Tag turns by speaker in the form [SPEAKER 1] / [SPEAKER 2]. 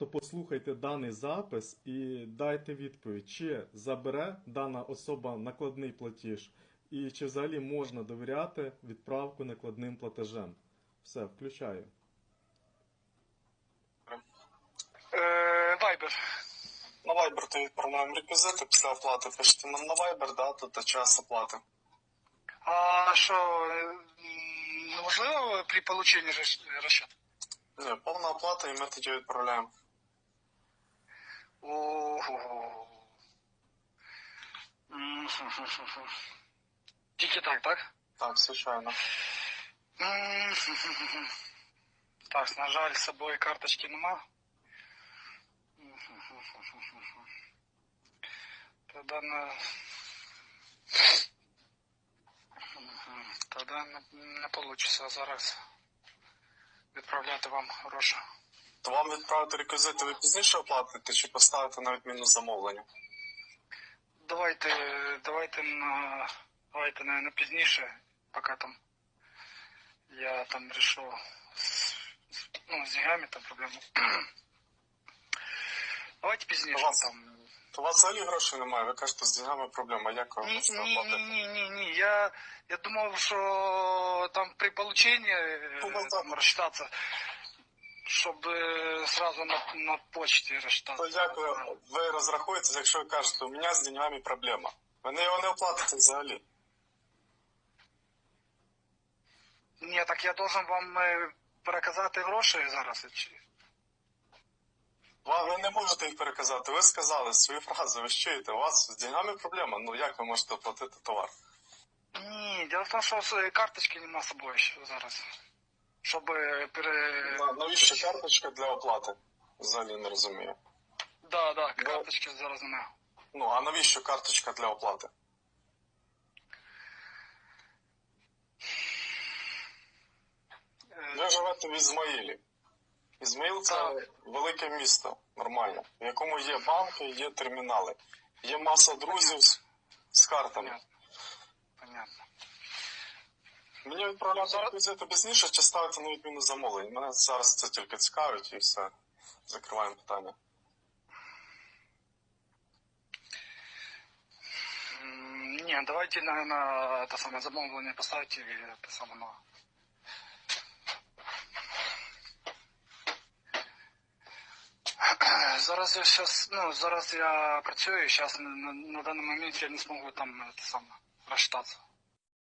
[SPEAKER 1] то послухайте даний запис і дайте відповідь, чи забере дана особа накладний платіж, і чи взагалі можна довіряти відправку накладним платежем. Все, включаю.
[SPEAKER 2] Вайбер.
[SPEAKER 3] На Viber ти відправляємо реквізити, після оплати пишете нам на Viber, дату та час оплати.
[SPEAKER 2] А що, неможливо при полученні розчет?
[SPEAKER 3] Ні, повна оплата і ми тоді відправляємо.
[SPEAKER 2] Ого. Тільки так, так?
[SPEAKER 3] Так, звичайно.
[SPEAKER 2] Так, на жаль, з собою карточки нема. Тоді не вийде зараз відправляти вам гроші.
[SPEAKER 3] То вам відправити реквізити, ви пізніше оплатите чи поставите на відміну замовлення?
[SPEAKER 2] Давайте на пізніше, поки там я там решу з деньгами там проблему. Давайте пізніше там.
[SPEAKER 3] То у вас взагалі грошей немає, ви кажете, з деньгами проблема, як ви можете оплатити?
[SPEAKER 2] Ні, я думав, що там при полученні там розчитатися, щоб сразу на почті розчитатися.
[SPEAKER 3] То як ви розрахуєтесь, якщо ви кажете, у мене з деньгами проблема? Ви його не оплатите взагалі.
[SPEAKER 2] Ні, так я должен вам переказати гроші зараз.
[SPEAKER 3] Ви не можете їх переказати, ви сказали свої фрази, ви ж чуєте, у вас з деньгами проблема, ну як ви можете оплатити товар?
[SPEAKER 2] Ні, діло в тому, що карточки нема з собою зараз. Щоб
[SPEAKER 3] Навіщо карточка для оплати? Взагалі не розумію.
[SPEAKER 2] Да, карточки зараз немає.
[SPEAKER 3] Ну, а навіщо карточка для оплати? Ви живете в Ізмаїлі. Ізмаїл – це велике місто, нормально, в якому є банки, є термінали. Є маса друзів з картами.
[SPEAKER 2] Понятно.
[SPEAKER 3] Мені відправляти реквізити пізніше чи ставити на відміну замовлень? Мене зараз це тільки цікавить і все. Закриваємо питання.
[SPEAKER 2] Ні, давайте на те саме замовлення поставити і те саме на... Зараз я працюю, зараз на даний момент я не зможу там те саме розчитатися.